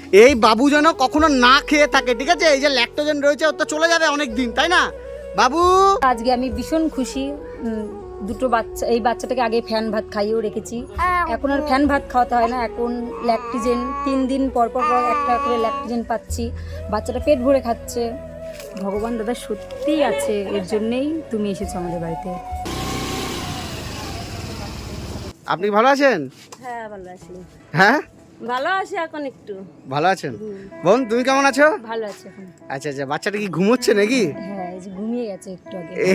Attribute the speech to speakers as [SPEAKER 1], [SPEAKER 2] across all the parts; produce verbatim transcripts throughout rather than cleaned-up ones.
[SPEAKER 1] এই বাবু যেন কখনো না খেয়ে থাকে, ঠিক আছে? এই যে ল্যাকটোজেন রয়েছে ওর তো চলে যাবে অনেক দিন, তাই না বাবু?
[SPEAKER 2] আজকে আমি ভীষণ খুশি। দুটো বাচ্চা, এই বাচ্চাটাকে আগে ফ্যান ভাত খাইয়েও রেখেছি, এখন আর ফ্যান ভাত খাওয়াতে হয় না, এখন ল্যাকটোজেন তিন দিন পর পর পর একটা করে ল্যাকটোজেন পাচ্ছি, বাচ্চাটা পেট ভরে খাচ্ছে। ভগবান দাদা সত্যিই আছে, এর জন্যেই তুমি এসেছো আমাদের বাড়িতে।
[SPEAKER 1] আপনি ভালো আছেন?
[SPEAKER 3] হ্যাঁ ভালো আছি।
[SPEAKER 1] হ্যাঁ
[SPEAKER 3] ভালো আছি এখন একটু।
[SPEAKER 1] ভালো আছেন? বোন তুমি কেমন আছো?
[SPEAKER 2] ভালো আছে এখন।
[SPEAKER 1] আচ্ছা আচ্ছা, বাচ্চাটা কি ঘুমোচ্ছে নাকি?
[SPEAKER 2] হ্যাঁ, এই যে ঘুমিয়ে গেছে একটু আগে।
[SPEAKER 1] এ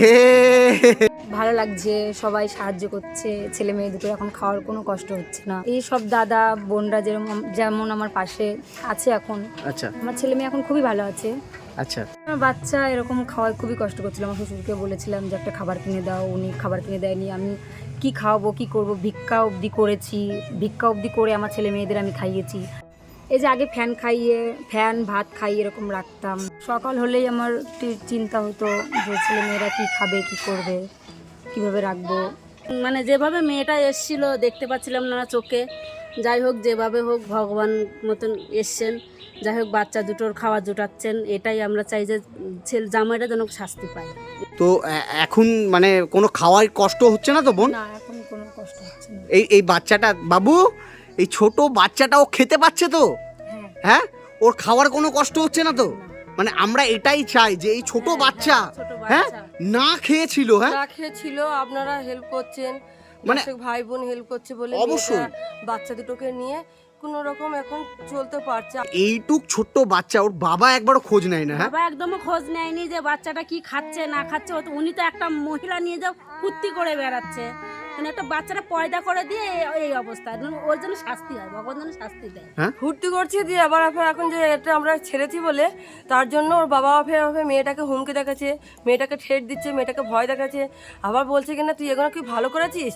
[SPEAKER 2] ভালো লাগছে, সবাই সাহায্য করছে, ছেলে মেয়ে দুটো এখন খাওয়ার কোনো কষ্ট হচ্ছে না। এই সব দাদা বোনরা যেরকম যেমন আমার পাশে আছে এখন,
[SPEAKER 1] আচ্ছা
[SPEAKER 2] আমার ছেলে মেয়ে এখন খুবই ভালো আছে।
[SPEAKER 1] আচ্ছা,
[SPEAKER 2] আমার বাচ্চা এরকম খাওয়ায় খুবই কষ্ট করছিল, আমার শ্বশুরকে বলেছিলাম যে একটা খাবার কিনে দাও, উনি খাবার কিনে দেয়নি। আমি কি খাওয়াবো, কি করব, ভিক্ষা অবধি করেছি, ভিক্ষা অবধি করে আমার ছেলে মেয়েদের আমি খাইয়েছি। এই যে আগে ফ্যান খাইয়ে ফ্যান ভাত খাইয়ে এরকম রাখতাম, সকাল হলেই আমার একটু চিন্তা হতো যে ছেলে মেয়েরা কী খাবে, কি করবে, কিভাবে রাখবো।
[SPEAKER 3] মানে যেভাবে মেয়েটা এসছিল দেখতে পাচ্ছিলাম না চোখে, যাই হোক যেভাবে হোক ভগবান মতন এসছেন, যাই হোক বাচ্চা দুটোর খাওয়া জোটাচ্ছেন, এটাই আমরা চাই যে ছেলে জামাইটা যেন শাস্তি পায়।
[SPEAKER 1] তো এ- এখন মানে কোনো খাওয়ার কষ্ট হচ্ছে না তো বোন?
[SPEAKER 2] না, এখন কোনো কষ্ট হচ্ছে না।
[SPEAKER 1] এই এই বাচ্চাটা বাবু, এই ছোট বাচ্চাটা ও খেতে পাচ্ছে তো?
[SPEAKER 2] হ্যাঁ
[SPEAKER 1] হ্যাঁ, ওর খাওয়ার কোনো কষ্ট হচ্ছে না তো? মানে আমরা এটাই চাই যে এই ছোট বাচ্চা,
[SPEAKER 3] ছোট
[SPEAKER 1] হ্যাঁ,
[SPEAKER 3] বাচ্চা
[SPEAKER 1] না খেয়েছিল, হ্যাঁ,
[SPEAKER 4] না খেয়েছিল, আপনারা হেল্প করছেন,
[SPEAKER 1] মানে-
[SPEAKER 4] মানে ভাই বোন হেল্প করছে বলে
[SPEAKER 1] অবশ্যই।
[SPEAKER 4] মেয়েটা বাচ্চা দুটোকে নিয়ে কোনো রকম এখন চলতে পারছে।
[SPEAKER 1] এইটুক ছোট্ট বাচ্চা, ওর বাবা একবারও খোঁজ নেয় না, হ্যাঁ?
[SPEAKER 3] বাবা একদমই খোঁজ নেয়নি যে বাচ্চাটা কি খাচ্ছে না খাচ্ছে। ও তো উনি তো একটা মহিলা নিয়ে যাও ফুর্তি করে বেড়াচ্ছে, মানে একটা বাচ্চাটা পয়দা করে দিয়ে এই- এই অবস্থা। ওর জন্য শাস্তি হয়, ভগবান যেন শাস্তি দেয়।
[SPEAKER 4] ফুর্তি করছে দিয়ে আবার আবার এখন যে এটা আমরা ছেড়েছি বলে তার জন্য ওর বাবা ফের ফের মেয়েটাকে হুমকি দেখাচ্ছে, মেয়েটাকে ঠেট দিচ্ছে, মেয়েটাকে ভয় দেখাচ্ছে, আবার বলছে কিনা তুই এগুলো কি ভালো করেছিস।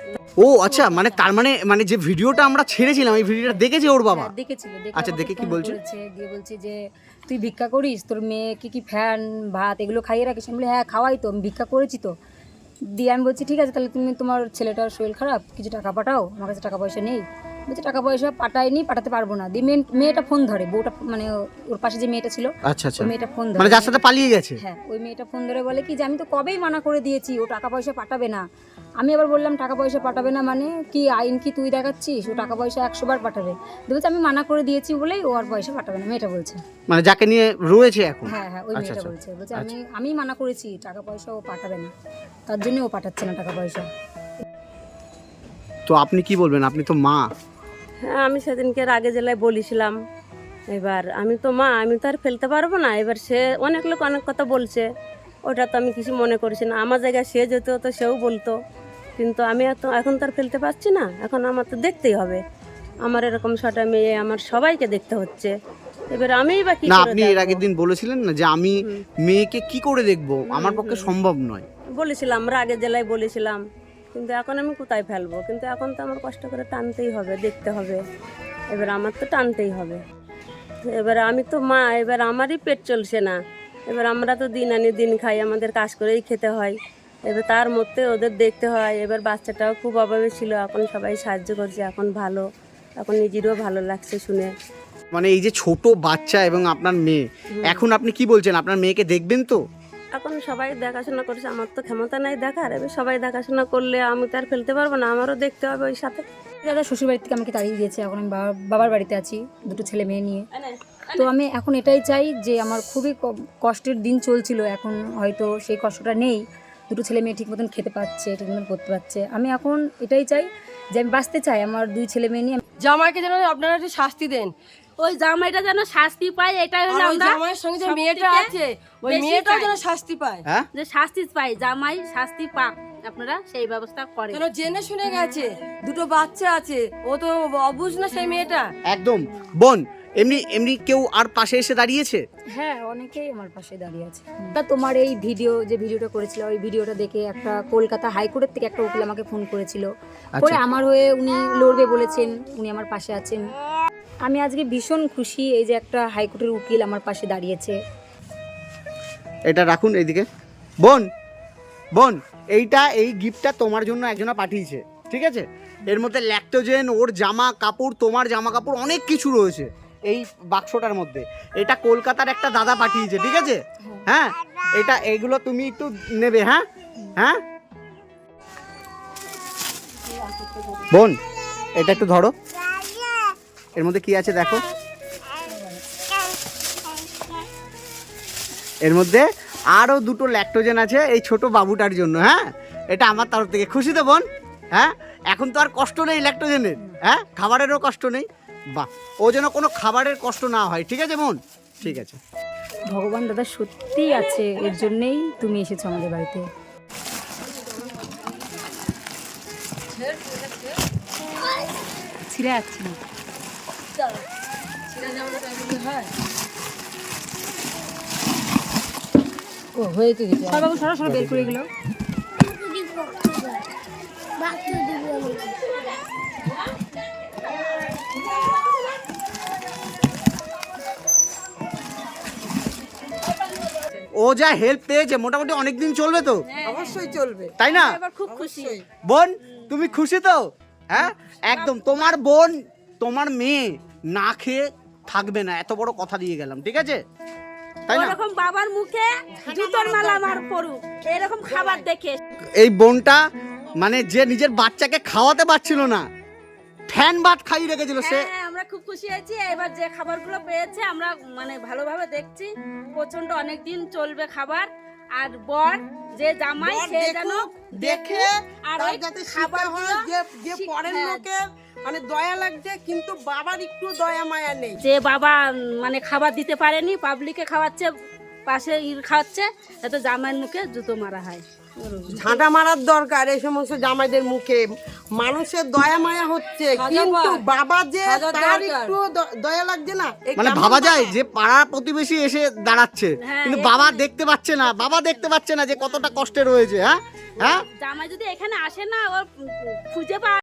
[SPEAKER 1] ও আচ্ছা, মানে তার মানে মানে যে ভিডিওটা আমরা ছেড়েছিলাম এই ভিডিওটা দেখেছে ওর বাবা?
[SPEAKER 2] হ্যাঁ, দেখেছিল। দেখে
[SPEAKER 1] আচ্ছা,
[SPEAKER 2] আমাকে
[SPEAKER 1] দেখে কি
[SPEAKER 2] ফোন
[SPEAKER 1] বলছে?
[SPEAKER 2] করেছে, দিয়ে বলছে যে তুই ভিক্ষা করিস, তোর মেয়েকে কি ফ্যান ভাত এগুলো খাইয়ে রাখিস? আমি বলি হ্যাঁ খাওয়াই তো, আমি ভিক্ষা করেছি তো। দিয়ে আমি বলছি ঠিক আছে, তাহলে তুমি তোমার ছেলেটার শরীর খারাপ, কিছু টাকা পাঠাও, আমার কাছে টাকা পয়সা নেই। বলছে টাকা পয়সা পাঠাইনি, পাঠাতে পারবো না। দিয়ে মেয়ে- মেয়েটা ফোন ধরে, বউটা মানে ওর পাশে যে মেয়েটা ছিল,
[SPEAKER 1] আচ্ছা আচ্ছা,
[SPEAKER 2] ওই মেয়েটা ফোন ধরে,
[SPEAKER 1] মানে যার সাথে পালিয়ে গেছে।
[SPEAKER 2] হ্যাঁ ওই মেয়েটা ফোন ধরে বলে কি যে আমি তো কবেই মানা করে দিয়েছি, ও টাকা পয়সা পাঠাবে না। আমি আবার বললাম টাকা পয়সা পাঠাবে না মানে কি আইন কি তুই দেখাচ্ছিস, ও টাকা পয়সা একশো বার পাঠাবে। দিয়ে বলছে আমি মানা করে দিয়েছি বলেই ও আর পয়সা পাঠাবে না, মেয়েটা বলছে।
[SPEAKER 1] মানে যাকে নিয়ে রয়েছে এখন?
[SPEAKER 2] হ্যাঁ হ্যাঁ, ওই
[SPEAKER 1] আচ্ছা,
[SPEAKER 2] মেয়েটা
[SPEAKER 1] আচ্ছা।
[SPEAKER 2] বলছে, বলছে আমি আমি মানা করেছি টাকা পয়সা ও পাঠাবে না, তার জন্য ও পাঠাচ্ছে না টাকা পয়সা।
[SPEAKER 1] তো আপনি কি বলবেন, আপনি তো মা?
[SPEAKER 3] হ্যাঁ আমি সেদিনকে আগে জেলায় বলেছিলাম, এবার আমি তো মা, আমি তো আর ফেলতে পারবো না। এবার সে অনেক লোক অনেক কথা বলছে, ওটা তো আমি কিছু মনে করছি না। আমার জায়গায় সে যেত তো সেও বলতো, কিন্তু আমি এত এখন তো আর ফেলতে পারছি না, এখন আমার তো দেখতেই হবে। আমার এরকম ছটা মেয়ে, আমার সবাইকে দেখতে হচ্ছে। এবার আমিই বা কি
[SPEAKER 1] না,
[SPEAKER 3] করে
[SPEAKER 1] আপনি এর
[SPEAKER 3] দেখবো?
[SPEAKER 1] আগের দিন বলেছিলেন না যে আমি মেয়েকে কি করে দেখবো, আমার পক্ষে সম্ভব নয়।
[SPEAKER 3] বলেছিলাম, আমরা আগের জেলায় বলেছিলাম, কিন্তু এখন আমি কোথায় ফেলবো? কিন্তু এখন তো আমার কষ্ট করে টানতেই হবে, দেখতে হবে। এবার আমার তো টানতেই হবে। এবার আমি তো মা, এবার আমারই পেট চলছে না। এবার আমরা তো দিন আনি দিন খাই, আমাদের কাজ করেই খেতে হয়। এবার তার মধ্যে ওদের দেখতে হয়। এবার বাচ্চাটাও খুব অভাবে ছিল, এখন সবাই সাহায্য করছে, এখন ভালো, এখন নিজেরও ভালো লাগছে শুনে।
[SPEAKER 1] মানে এই যে ছোট বাচ্চা এবং আপনার মেয়ে, এখন আপনি কি বলছেন, আপনার মেয়েকে দেখবেন তো?
[SPEAKER 3] এখন সবাই দেখাশোনা করছে, আমার তো ক্ষমতা নাই দেখার। এবার সবাই দেখাশোনা করলে আমি তো আর ফেলতে পারবো না, আমারও দেখতে হবে ওই সাথে।
[SPEAKER 2] দাদা শ্বশুর বাড়ি থেকে আমাকে তাড়িয়ে দিয়েছে, এখন আমি বাবা- বাবার বাড়িতে আছি দুটো ছেলে মেয়ে নিয়ে। তো আমি এখন এটাই চাই যে আমার খুবই ক- কষ্টের দিন চলছিল, এখন হয়তো সেই কষ্টটা নেই, দুটো ছেলে মেয়ে ঠিক মতন খেতে পাচ্ছে, ঠিক মতন করতে পারছে। আমি এখন এটাই চাই যে আমি বাঁচতে চাই আমার দুই ছেলে মেয়ে নিয়ে।
[SPEAKER 4] জামাইকে যেন আপনারা একটু শাস্তি দেন,
[SPEAKER 3] ওই জামাইটা যেন শাস্তি পায়, এটাই
[SPEAKER 4] আর
[SPEAKER 3] হলো
[SPEAKER 4] ওই
[SPEAKER 3] আমরা
[SPEAKER 4] জামাইয়ের সঙ্গে যে
[SPEAKER 3] সবথেকে
[SPEAKER 4] মেয়েটা আছে ওই
[SPEAKER 3] বেশি
[SPEAKER 4] মেয়েটাও
[SPEAKER 3] চাই।
[SPEAKER 4] যেন শাস্তি পায়,
[SPEAKER 1] হ্যাঁ,
[SPEAKER 3] যে শাস্তি পাই, জামাই শাস্তি পাক, আপনারা সেই ব্যবস্থা করেন।
[SPEAKER 4] কেন জেনে শুনে গেছে, দুটো বাচ্চা আছে, ও তো অবুঝ না সেই মেয়েটা।
[SPEAKER 1] একদম। বোন, এমনি এমনি কেউ আর পাশে এসে দাঁড়িয়েছে?
[SPEAKER 2] হ্যাঁ, অনেকেই আমার পাশে দাঁড়িয়ে আছে। তা তোমার এই ভিডিও যে ভিডিওটা করেছিল, ওই ভিডিওটা দেখে একটা কলকাতা হাইকোর্টের থেকে একটা উকিল আমাকে ফোন করেছিল, করে আমার হয়ে উনি লড়বে বলেছেন, উনি আমার পাশে আছেন। আমি আজকে ভীষণ খুশি এই যে একটা হাইকোর্টের উকিল আমার পাশে দাঁড়িয়েছে।
[SPEAKER 1] এটা রাখুন এইদিকে। বোন বোন এইটা, এই গিফটটা তোমার জন্য একজনা পাঠিয়েছে, ঠিক আছে? এর মধ্যে ল্যাকটোজেন, ওর জামা কাপড়, তোমার জামা কাপড়, অনেক কিছু রয়েছে। এই বাক্সটার মধ্যে। এটা কলকাতার একটা দাদা পাঠিয়েছে, ঠিক আছে? হ্যাঁ, এটা এইগুলো তুমি একটু নেবে। হ্যাঁ হ্যাঁ বোন, এটা একটু ধরো, এর মধ্যে কি আছে দেখো। এর মধ্যে আরও দুটো ল্যাকটোজেন আছে এই ছোট বাবুটার জন্য। হ্যাঁ, এটা আমার তরফ থেকে। খুশি তো বোন? হ্যাঁ, এখন তো আর কষ্ট নেই ল্যাকটোজেনের, হ্যাঁ, খাবারেরও কষ্ট নেই। বাহ, ও যেন কোনো খাবারের কষ্ট না হয়, ঠিক আছে বোন? ঠিক আছে।
[SPEAKER 2] ভগবান দাদা সত্যিই আছে, এর জন্যেই তুমি এসেছো আমাদের বাড়িতে। ছিঁড়ে যাচ্ছি না। ও হয়েছে কিছু সবাই সরাসরি বের করে গেল।
[SPEAKER 1] ও যা হেল্প পেয়েছে মোটামুটি অনেক দিন চলবে তো?
[SPEAKER 5] অবশ্যই চলবে,
[SPEAKER 1] তাই না?
[SPEAKER 3] এবার খুব খুশি।
[SPEAKER 1] বোন তুমি খুশি তো? হ্যাঁ, একদম। তোমার বোন, তোমার মেয়ে না খেয়ে থাকবে না, এত বড় কথা দিয়ে গেলাম, ঠিক আছে? তাই না?
[SPEAKER 3] ওরকম বাবার মুখে জুতোর মালা আমার পড়ুক, এরকম খাবার দেখে।
[SPEAKER 1] এই বোনটা মানে যে নিজের বাচ্চাকে খাওয়াতে পারছিল না, ফ্যান ভাত খাইয়ে রেখেছিল সে।
[SPEAKER 3] হ্যাঁ, আমরা খুব খুশি হয়েছি। এবার যে খাবারগুলো পেয়েছে আমরা মানে ভালোভাবে দেখছি, প্রচন্ড অনেক দিন চলবে খাবার। আর বর যে জামাই
[SPEAKER 5] বর
[SPEAKER 3] সে যেন
[SPEAKER 5] দেখুক, দেখে
[SPEAKER 3] আর
[SPEAKER 5] তার
[SPEAKER 3] ওই
[SPEAKER 5] যাতে শিক্ষা
[SPEAKER 3] খাবারগুলো
[SPEAKER 5] হয় যে যে
[SPEAKER 3] শিখ-
[SPEAKER 5] পরের
[SPEAKER 3] হ্যাঁ।
[SPEAKER 5] লোকের মানে দয়া লাগছে, কিন্তু বাবার একটু দয়া মায়া নেই।
[SPEAKER 3] যে বাবা উম, মানে খাবার দিতে পারেনি, পাবলিকে খাওয়াচ্ছে, পাশে ইর খাওয়াচ্ছে, যাতে জামাইয়ের মুখে জুতো মারা হয়।
[SPEAKER 5] ঝাঁটা মারার দরকার এই সমস্ত জামাইদের মুখে। মানুষের দয়া মায়া হচ্ছে, কিন্তু বাবা যে তার একটু দ- দয়া লাগছে না। এই
[SPEAKER 1] মানে
[SPEAKER 5] কেমন
[SPEAKER 1] ভাবা যায়
[SPEAKER 5] বাবা?
[SPEAKER 1] যে পাড়া প্রতিবেশী এসে দাঁড়াচ্ছে,
[SPEAKER 3] হ্যাঁ,
[SPEAKER 1] কিন্তু বাবা দেখতে পাচ্ছে না, বাবা দেখতে পাচ্ছে না যে কতটা কষ্টে রয়েছে। হ্যাঁ হ্যাঁ
[SPEAKER 3] জামাই যদি এখানে আসে না, ওর উম, খুঁজে পাওয়া